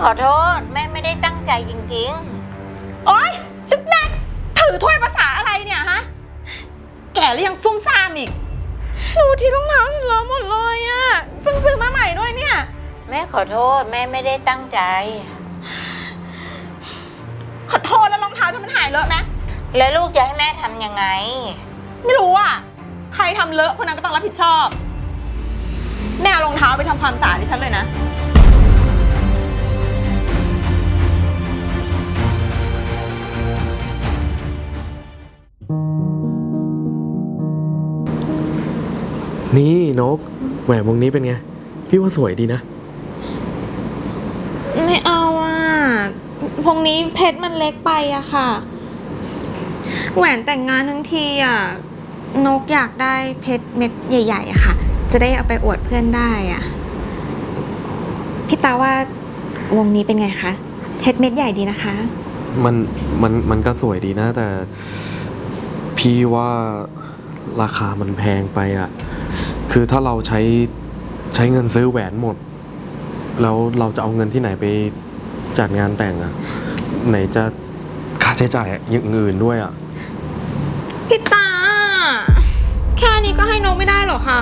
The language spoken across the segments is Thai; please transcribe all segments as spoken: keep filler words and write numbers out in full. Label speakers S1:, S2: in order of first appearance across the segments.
S1: อโทษแม่ไม่ได้ตั้งใจจริง
S2: โอ๊ยตึ๊กแน่ถือถ้วยภาษาอะไรเนี่ยฮะแก่แล้วยังซุ่มซ่ามอีกดูที่รองเท้าฉันเลอะหมดเลยอะเพิ่งซื้อมาใหม่ด้วยเนี่ย
S1: ๆแม่ขอโทษแม่ไม่ได้ตั้งใจ
S2: ขอโทษแล้วรองเท้าฉันมันหายเลอะไหม
S1: แล้วลูกจะให้แม่ทำยังไง
S2: ไม่รู้อ่ะใครทำเลอะคนนั้นก็ต้องรับผิดชอบแม่เอารองเท้าไปทำความสะอาดให้ฉันเลยนะ
S3: นี่นกแหวนวงนี้เป็นไงพี่ว่าสวยดีนะ
S2: ไม่เอาอ่ะวงนี้เพชรมันเล็กไปอะค่ะแหวนแต่งงานทั้งทีอ่ะนกอยากได้เพชรเม็ดใหญ่ๆอะค่ะจะได้เอาไปอวดเพื่อนได้อ่ะพี่ตาว่าวงนี้เป็นไงคะเพชรเม็ดใหญ่ดีนะคะ
S3: มันมันมันก็สวยดีนะแต่พี่ว่าราคามันแพงไปอ่ะคือถ้าเราใช้ใช้เงินซื้อแหวนหมดแล้วเราจะเอาเงินที่ไหนไปจัดงานแต่งอ่ะไหนจะค่าใช้จ่ายอย่างอื่นด้วยอ่ะ
S2: พี่ตาแค่นี้ก็ให้นกไม่ได้หรอคะ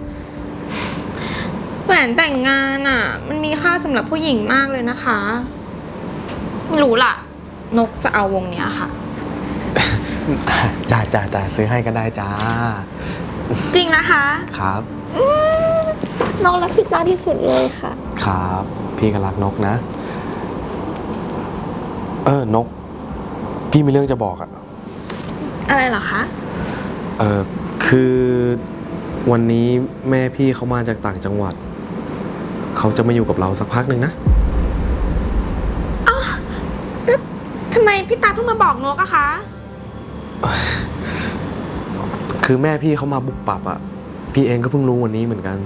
S2: แหวนแต่งงานอ่ะมันมีค่าสำหรับผู้หญิงมากเลยนะคะไม่รู้ล่ะนกจะเอาวงเนี้ยค่ะ
S3: จ้าจ้าจ้าซื้อให้ก็ได้จ้า
S2: จริงนะคะ
S3: ครับ
S2: นกรักพี่ตาที่สุดเลยค่ะ
S3: ครับพี่ก็รักนกนะเออนกพี่มีเรื่องจะบอกอะ
S2: อะไรเหรอคะ
S3: เออคือวันนี้แม่พี่เขามาจากต่างจังหวัดเขาจะมาอยู่กับเราสักพักหนึ่งนะ
S2: อ้าวแล้วทำไมพี่ตาเพิ่งมาบอกนกอะคะ
S3: คือแม่พี่เขามาบุกปับอะพี่เองก็เพิ่งรู้วันนี้เหมือนกัน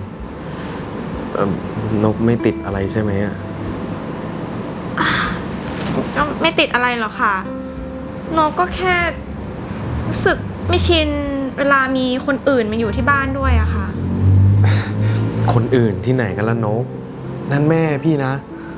S3: นกไม่ติดอะไรใช่ไหมอะ
S2: ไม่ติดอะไรหรอกค่ะนกก็แค่รู้สึกไม่ชินเวลามีคนอื่นมาอยู่ที่บ้านด้วยอะค่ะ
S3: คนอื่นที่ไหนกันล่ะนกนั่นแม่พี่นะ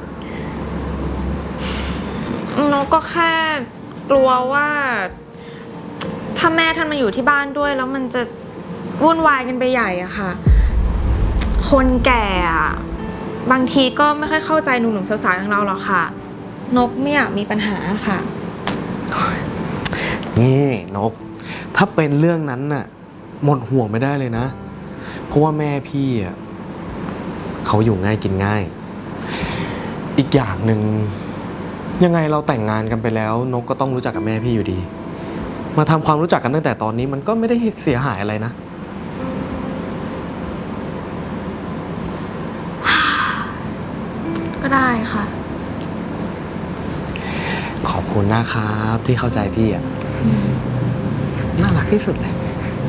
S2: นกก็แค่กลัวว่าถ้าแม่ท่านมาอยู่ที่บ้านด้วยแล้วมันจะวุ่นวายกันไปใหญ่อะค่ะคนแก่อะบางทีก็ไม่ค่อยเข้าใจหนุ่มๆสาวๆอย่างเราหรอกค่ะนกไม่อยากมีปัญหาค่ะ
S3: นี่นกถ้าเป็นเรื่องนั้นน่ะหมดห่วงไม่ได้เลยนะเพราะว่าแม่พี่อ่ะเขาอยู่ง่ายกินง่ายอีกอย่างหนึ่งยังไงเราแต่งงานกันไปแล้วนกก็ต้องรู้จักกับแม่พี่อยู่ดีมาทำความรู้จักกันตั้งแต่ตอนนี้มันก็ไม่ได้เสียหายอะไรนะ
S2: ก็ได้ค่ะ
S3: ขอบคุณนะครับที่เข้าใจพี่อ่ะน่ารักที่สุดเลย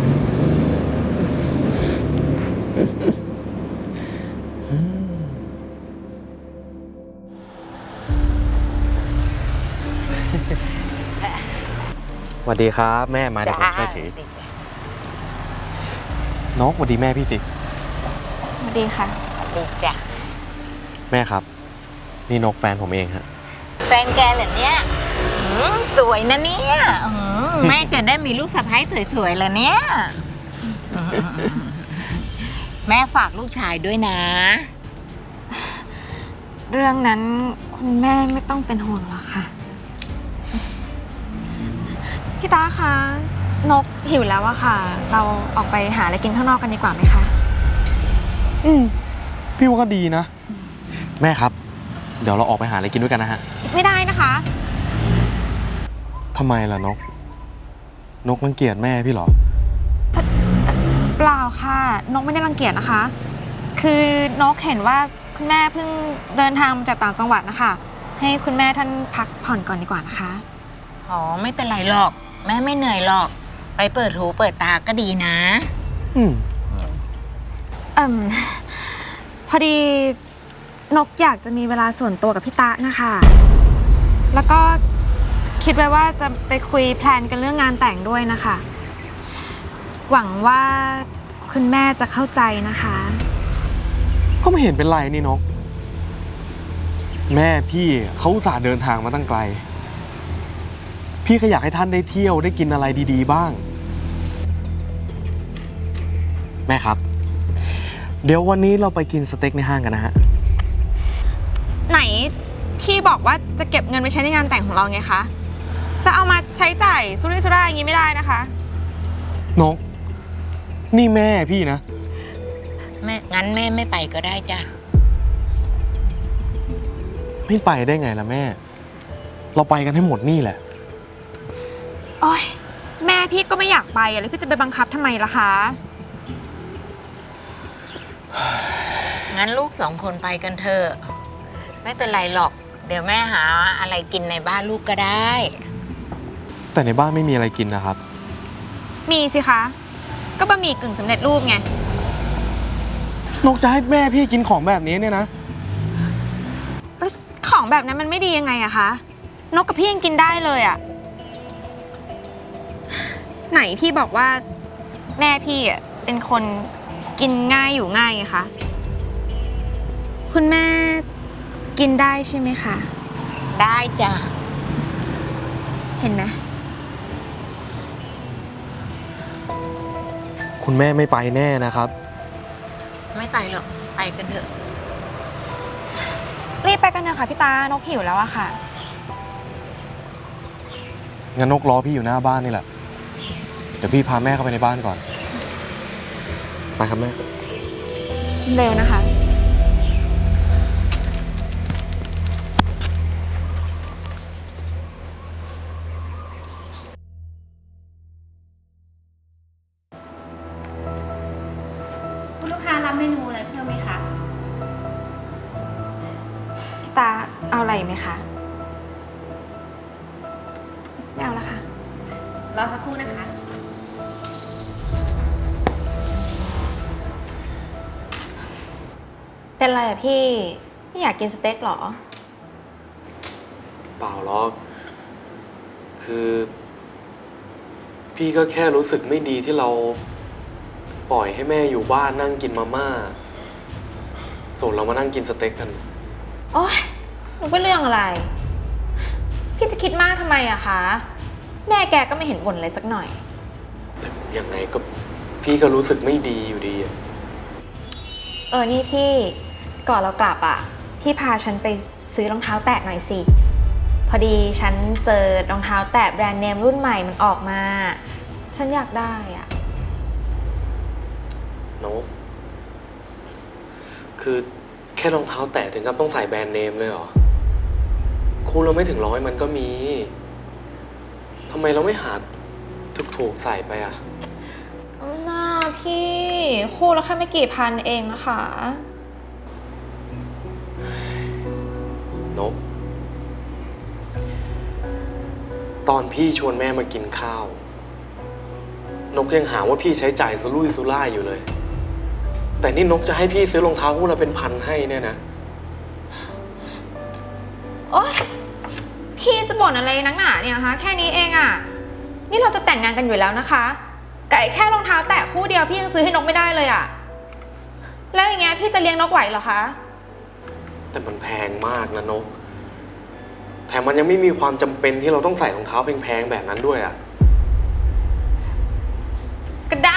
S3: สวัสดีครับแม่มาเดี๋ยวผมช่วยถือนกสวัสดีแม่พี่สิ
S2: สวัสดีค่ะ
S1: ดีจ้ะ
S3: แม่ครับนี่นกแฟนผมเองฮะ
S1: แฟนแกเหรอเนี่ยสวยนะเนี่ยแม่จะได้มีลูกสะใภ้สวยๆเลยเนี่ยแม่ฝากลูกชายด้วยนะ
S2: เรื่องนั้นคุณแม่ไม่ต้องเป็นห่วงหรอกค่ะพี่ตาคะนกหิวแล้วอะค่ะเราออกไปหาอะไรกินข้างนอกกันดีกว่าไหมคะ
S3: อืมพี่ว่าก็ดีนะแม่ครับเดี๋ยวเราออกไปหาอะไรกินด้วยกันนะฮะ
S2: ไม่ได้นะคะ
S3: ทำไมล่ะนกนกรังเกียจแม่พี่เหรอ
S2: เปล่าค่ะนกไม่ได้รังเกียจนะคะคือนกเห็นว่าคุณแม่เพิ่งเดินทางมาจากต่างจังหวัดนะคะให้คุณแม่ท่านพักผ่อนก่อนดีกว่านะคะ
S1: อ๋อไม่เป็นไรหรอกแม่ไม่เหนื่อยหรอกไปเปิดหูเปิดตาก็ดีนะ
S3: อืม
S2: เอ่มพอดีนกอยากจะมีเวลาส่วนตัวกับพี่ตะนะคะแล้วก็คิดไว้ว่าจะไปคุยแพลนกันเรื่องงานแต่งด้วยนะคะหวังว่าคุณแม่จะเข้าใจนะคะ
S3: ก็ไม่เห็นเป็นไรนี่นกแม่พี่เขาอุตส่าห์เดินทางมาตั้งไกล พี่ก็อยากให้ท่านได้เที่ยวได้กินอะไรดีๆบ้าง แม่ครับ เดี๋ยววันนี้เราไปกินสเต็กในห้างกันนะฮะ
S2: ไหนพี่บอกว่าจะเก็บเงินไปใช้ในงานแต่งของเราไงคะ จะเอามาใช้จ่ายสุรุ่ยสุร่ายอย่างนี้ไม่ได้นะคะ
S3: นก นี่แม่พี่นะ
S1: แม่งั้นแม่ไม่ไปก็ได้จ้ะ
S3: ไม่ไปได้ไงล่ะแม่ เราไปกันให้หมดนี่แหละ
S2: โอ๊ยแม่พี่ก็ไม่อยากไปอะแล้วพี่จะไปบังคับทำไมล่ะคะ
S1: งั้นลูกสองคนไปกันเถอะไม่เป็นไรหรอก เดี๋ยวแม่หาอะไรกินในบ้านลูกก็ได้
S3: แต่ในบ้านไม่มีอะไรกินนะครับ
S2: มีสิคะ ก็บะหมี่กึ่งสำเร็จรูปไง
S3: นกจะให้แม่พี่กินของแบบนี้เนี่ยนะ
S2: ของแบบนั้นมันไม่ดียังไงอะคะ นกกับพี่ยังกินได้เลยอะไหนพี่บอกว่าแม่พี่อะเป็นคนกินง่ายอยู่ง่ายไงคะ คุณแม่กินได้ใช่ไหมคะ
S1: ได้จ้ะ
S2: เห็นไหม
S3: คุณแม่ไม่ไปแน่นะครับ
S1: ไม่ไปหรอกไปกันเถอะ
S2: รีบไปกันเถอะค่ะพี่ตานกหิวแล้วอะค่ะ
S3: งั้นนกรอพี่อยู่หน้าบ้านนี่แหละ เดี๋ยวพี่พาแม่เข้าไปในบ้านก่อน ไปครับแม่
S2: เร็วนะคะ
S4: คุณลูกค้ารับเมนูอะไรเพิ่มไหมคะ
S2: พี่ตาเอาอะไรไหมคะ ไม่เอาละค่ะ
S4: รอสักครู่นะคะ
S2: เป็นไรอะพี่ ไม่อยากกินสเต็กหรอ
S3: เปล่าหรอก คือ พี่ก็แค่รู้สึกไม่ดีที่เราปล่อยให้แม่อยู่บ้านนั่งกินมาม่า ส่วนเรามานั่งกินสเต็กกัน
S2: โอ๊ยมันเป็นเรื่องอะไร พี่จะคิดมากทำไมอะคะ แม่แกก็ไม่เห็นบ่นอะไรสักหน่อย
S3: แต่ยังไงก็พี่ก็รู้สึกไม่ดีอยู่ดีอะ
S2: เออ นี่พี่ ก่อนเรากลับอะพี่พาฉันไปซื้อรองเท้าแตะหน่อยสิ พอดีฉันเจอรองเท้าแตะแบรนด์เนมรุ่นใหม่มันออกมา ฉันอยากได้อะ
S3: นกคือแค่รองเท้าแตะถึงกับต้องใส่แบรนด์เนมเลยเหรอ คู่เราไม่ถึงร้อยมันก็มีทำไมเราไม่หาถูกๆใส่ไปอ่ะ
S2: น่าพี่ คู่ละแค่ไม่กี่พันเองนะคะ
S3: นก ตอนพี่ชวนแม่มากินข้าว นกยังหาว่าพี่ใช้จ่ายสุรุ่ยสุร่ายอยู่เลย แต่นี่นกจะให้พี่ซื้อรองเท้าคู่ละเป็นพันให้เนี่ยนะ
S2: โอ๊ยพี่จะบ่นอะไรนักหนาเนี่ยคะแค่นี้เองอะนี่เราจะแต่งงานกันอยู่แล้วนะคะไก่แค่รองเท้าแตะคู่เดียวพี่ยังซื้อให้นกไม่ได้เลยอะแล้วอย่างเงี้ยพี่จะเลี้ยงนกไหวเหรอคะ
S3: แต่มันแพงมากนะนก แถมมันยังไม่มีความจำเป็นที่เราต้องใส่รองเท้าแพงๆแบบนั้นด้วยอ่ะ
S2: ก็ได้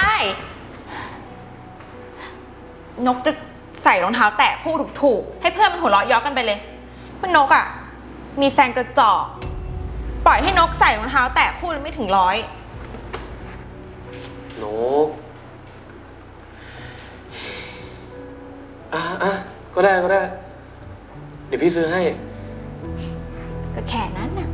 S2: นกจะใส่รองเท้าแตะคู่ถูกๆให้เพื่อนมันหัวเราะเย้อกันไปเลยว่านกอะมีแฟนกระจอกปล่อยให้นกใส่รองเท้าแตะคู่แล้วไม่ถึงร้อย
S3: นก อ่ะอ่ะก็ได้ก็ได้ เดี๋ยวพี่ซื้อให้
S2: ก็แค่นั้นน่ะ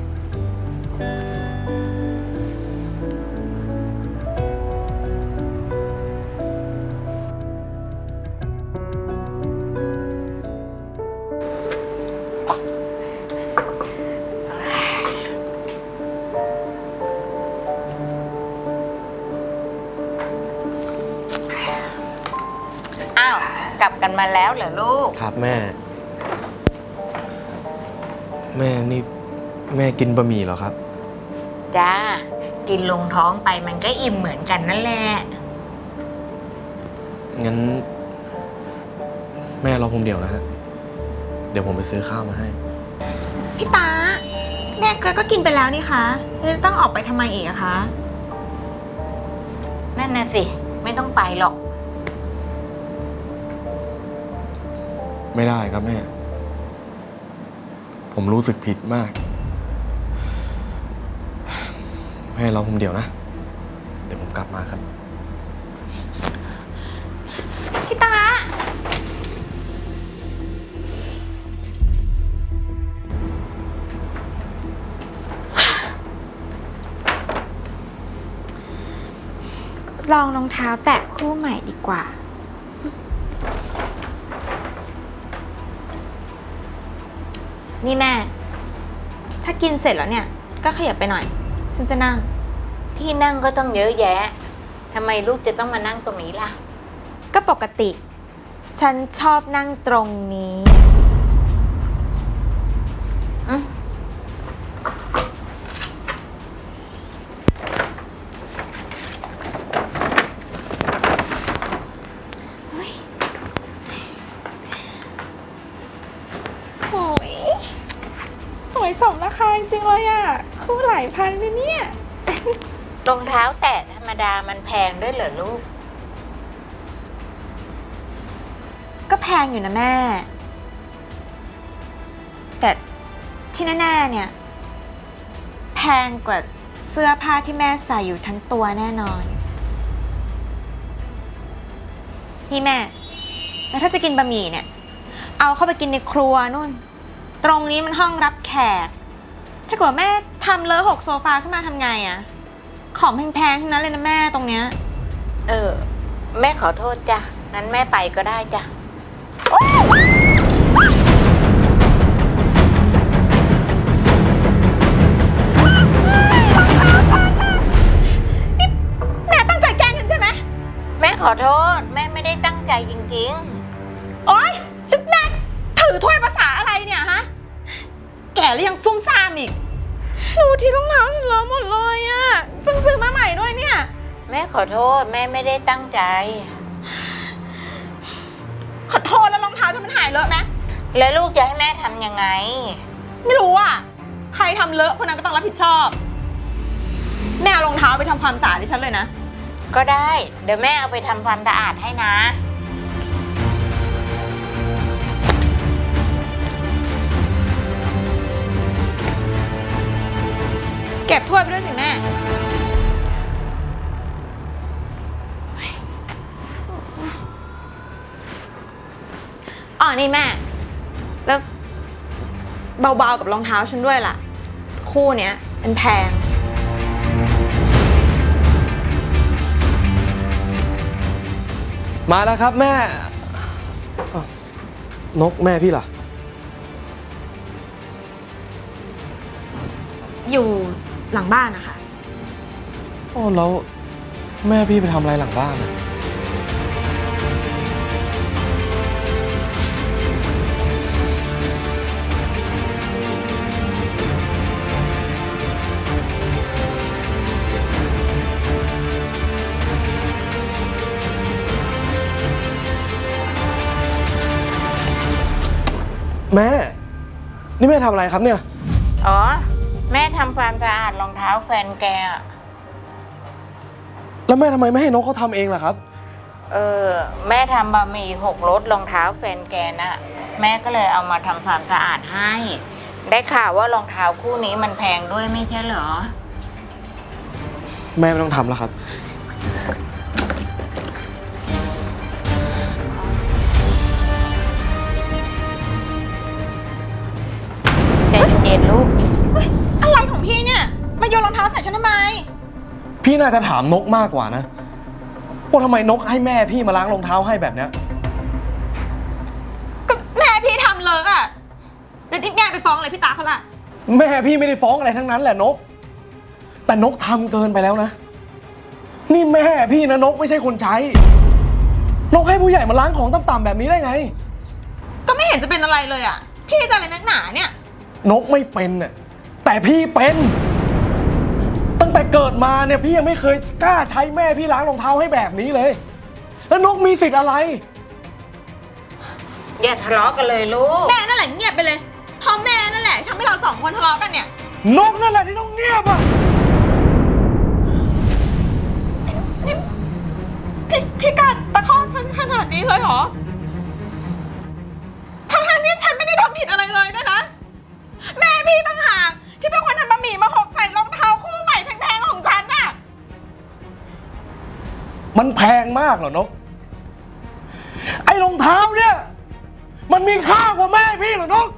S1: อ้าวกลับกันมาแล้วเหรอลูก
S3: ครับแม่ แม่นี่แม่กินบะหมี่เหรอครับ
S1: จ้า กินลงท้องไปมันก็อิ่มเหมือนกันนั่นแหละ
S3: งั้น แม่รอผมเดี๋ยวนะฮะ เดี๋ยวผมไปซื้อข้าวมาให้
S2: พี่ตาแม่ก็กินไปแล้วนี่คะจะต้องออกไปทำไมอีกอะคะ
S1: นั่นน่ะสิ ไม่ต้องไปหรอก
S3: ไม่ได้ครับแม่ ผมรู้สึกผิดมาก แม่รอผมเดี๋ยวนะ เดี๋ยวผมกลับมาครับ
S2: พี่ตาลองรองเท้าแตะคู่ใหม่ดีกว่า นี่แม่ ถ้ากินเสร็จแล้วเนี่ย ก็ขยับไปหน่อย ฉันจะนั่ง
S1: ที่นั่งก็ต้องเยอะแยะ ทำไมลูกจะต้องมานั่งตรงนี้ล่ะ
S2: ก็ปกติ ฉันชอบนั่งตรงนี้
S1: อืม
S2: โอ้ยสวยสมราคาจริงๆเลยอะคู่หลายพันเลยเนี่ย
S1: รองเท้าแตะธรรมดามันแพงด้วยเหรอลูก
S2: ก็แพงอยู่นะแม่ แต่ที่แน่ๆเนี่ย แพงกว่าเสื้อผ้าที่แม่ใส่อยู่ทั้งตัวแน่นอนนี่แม่ แล้วถ้าจะกินบะหมี่เนี่ย เอาเข้าไปกินในครัวนู่น ตรงนี้มันห้องรับแขก ถ้าเกิดแม่ทำเลอะหกโซฟาขึ้นมาทำไงอะของแพงๆทั้งนั้นเลยนะแม่ตรงเนี้ย
S1: เออ แม่ขอโทษจ้ะ งั้นแม่ไปก็ได้จ้ะ
S2: แม่ตั้งใจแกล้งฉันใช่ไหม
S1: แม่ขอโทษ แม่ไม่ได้ตั้งใจจริง
S2: โอ๊ยแม่ถือถ้วยภาษาอะไรเนี่ยฮะ แก่แล้วยังซุ่มซ่ามอีกดูที่รองเท้าฉันเลอะหมดเลยอะเพิ่งซื้อมาใหม่ด้วยเนี่ย
S1: ๆ แม่ขอโทษ แม่ไม่ได้ตั้งใจ
S2: ขอโทษแล้วรองเท้าฉันมันหายเลอะไหม
S1: แล้วลูกจะให้แม่ทำยังไง
S2: ไม่รู้อ่ะ ใครทำเลอะคนนั้นก็ต้องรับผิดชอบ แม่เอารองเท้าไปทำความสะอาดให้ฉันเลยนะ
S1: ก็ได้ เดี๋ยวแม่เอาไปทำความสะอาดให้นะ
S2: เก็บถ้วยไปด้วยสิแม่ อ๋อ นี่แม่ แล้วเบาๆกับรองเท้าฉันด้วยล่ะ คู่เนี้ยมันแพง
S3: มาแล้วครับแม่อ้าว นกแม่พี่ล่ะ
S2: อยู่หลังบ้านนะคะ
S3: โอ้แล้วแม่พี่ไปทำอะไรหลังบ้านอะแม่ นี่แม่ทำอะไรครับเนี่ย
S1: อ๋อ แม่ทำความสะอาดรองเท้าแฟนแกอะ
S3: แล้วแม่ทำไมไม่ให้นกเขาทำเองล่ะครับ
S1: เออ แม่ทำบะหมี่หกรสรองเท้าแฟนแกน่ะ แม่ก็เลยเอามาทำความสะอาดให้ ได้ข่าวว่ารองเท้าคู่นี้มันแพงด้วยไม่ใช่เหรอ
S3: แม่ไม่ต้องทำแล้วครับ
S1: ใจเย็นๆลูก
S2: อะไรของพี่เนี่ย มาโยนรองเท้าใส่ฉันทำไม
S3: พี่น่าจะถามนกมากกว่านะว่าทำไมนกให้แม่พี่มาล้างรองเท้าให้แบบเนี้ย
S2: ก็แม่พี่ทำเลอะอะเดี๋ยวแม่ไปฟ้องอะไรพี่ตาเขาล่ะ
S3: แม่พี่ไม่ได้ฟ้องอะไรทั้งนั้นแหละนก แต่นกทำเกินไปแล้วนะ นี่แม่พี่นะนกไม่ใช่คนใช้ นกให้ผู้ใหญ่มาล้างของต่ำๆแบบนี้ได้ไง
S2: ก็ไม่เห็นจะเป็นอะไรเลยอะพี่จะอะไรนักหนาเนี่ย
S3: นกไม่เป็นน่ะแต่พี่เป็น ตั้งแต่เกิดมาเนี่ยพี่ยังไม่เคยกล้าใช้แม่พี่ล้างรองเท้าให้แบบนี้เลย แล้วนกมีสิทธิ์อะไร
S1: อย่าทะเลาะกันเลยลูก
S2: แม่นั่นแหละเงียบไปเลยเพราะแม่นั่นแหละแหละทำให้เราสองคนทะเลาะกันเนี่ย
S3: นกนั่นแหละที่ต้องเงียบอ่ะ
S2: นี่พี่พี่กัดตะคอกฉันขนาดนี้เลยเหรอทั้งๆที่ฉันไม่ได้ทำผิดอะไรเลยนะนะ แม่พี่ต่างหากที่เป็นคนทำบะหมี่มาหกใส่รองเท้าคู่ใหม่แพงๆของฉันน่ะ
S3: มันแพงมากเหรอนก ไอ้รองเท้าเนี่ย มันมีค่ากว่าแม่พี่เหรอนก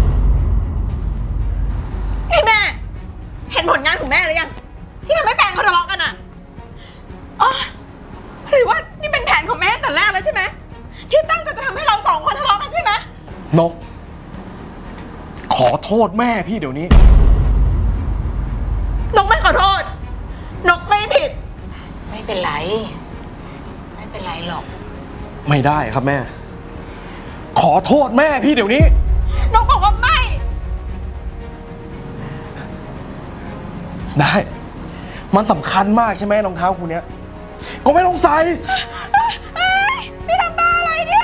S2: นี่แม่ เห็นผลงานของแม่หรือยังที่ทำให้แฟนเขาทะเลาะกันอ่ะอ๋อหรือว่านี่เป็นแผนของแม่ตั้งแต่แรกแล้วใช่ไหมที่ตั้งใจจะทำให้เราสองคนทะเลาะกันใช่ไหม
S3: นก ขอโทษแม่พี่เดี๋ยวนี้
S2: นกไม่ขอโทษ นกไม่ผิด
S1: ไม่เป็นไร ไม่เป็นไรหรอก
S3: ไม่ได้ครับแม่ ขอโทษแม่พี่เดี๋ยวนี้
S2: นกบอกว่าไม่
S3: ได้ มันสำคัญมากใช่ไหมรองเท้าคุณเนี้ย ก็ไม่ต้องใส่
S2: เอ้ยพี่ทำบ้าอะไรเนี่ย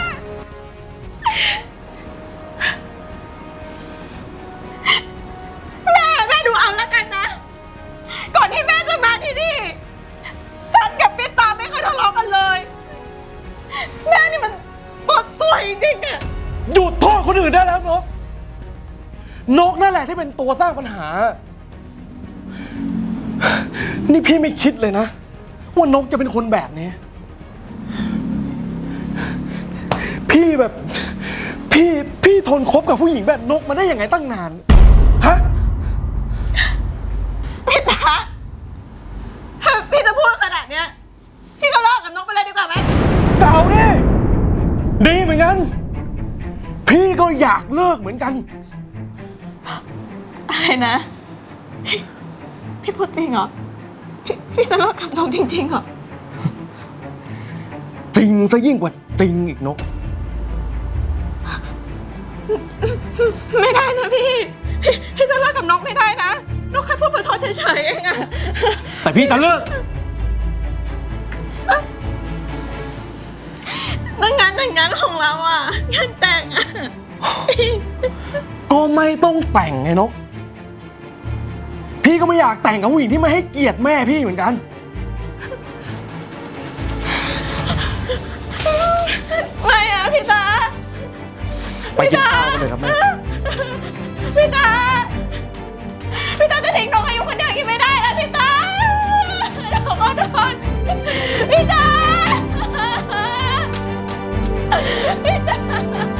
S2: แม่แม่ดูเอาแล้วกันนะ ก่อนที่แม่จะมาที่นี่ ฉันกับพี่ตาไม่เคยทะเลาะกันเลย แม่นี่มันตัวสวยจริงๆอะ
S3: หยุดโทษคนอื่นได้แล้วนก นกนั่นแหละที่เป็นตัวสร้างปัญหา นี่พี่ไม่คิดเลยนะ ว่านกจะเป็นคนแบบนี้ พี่แบบ พี่พี่ทนคบกับผู้หญิงแบบนกมาได้ยังไงตั้งนาน ฮะ
S2: พี่ตาพี่จะพูดขนาดเนี้ย พี่ก็เลิกกับนกไปเลยดีกว่าไหม
S3: เก่าดิดีเหมือนกัน พี่ก็อยากเลิกเหมือนกัน
S2: อะไรนะ พี่พี่พูดจริงเหรอ พี่พี่จะเลิกกับนกจริงๆเหรอ
S3: จริงซะยิ่งกว่าจริงอีกนก
S2: ไม่ได้นะพี่ พี่พี่จะเลิกกับนกไม่ได้นะ นกแค่พูดประชดเฉยๆเองอะ
S3: แต่พี่จะเลิก
S2: นั่นงานแต่งงานของเราอะงานแต่งอะ
S3: ก็ไม่ต้องแต่งไงนก พี่ก็ไม่อยากแต่งกับผู้หญิงที่ไม่ให้เกียรติแม่พี่เหมือนกัน
S2: ไม่อะพี่ตา
S3: ไปกินข้าวกันเลยครับแม่
S2: พี่ตา พี่ตาจะทิ้งนกอายุคนเดียวอย่างนี้ไม่ได้นะพี่ตาขอโทษพี่ตา พี่ตา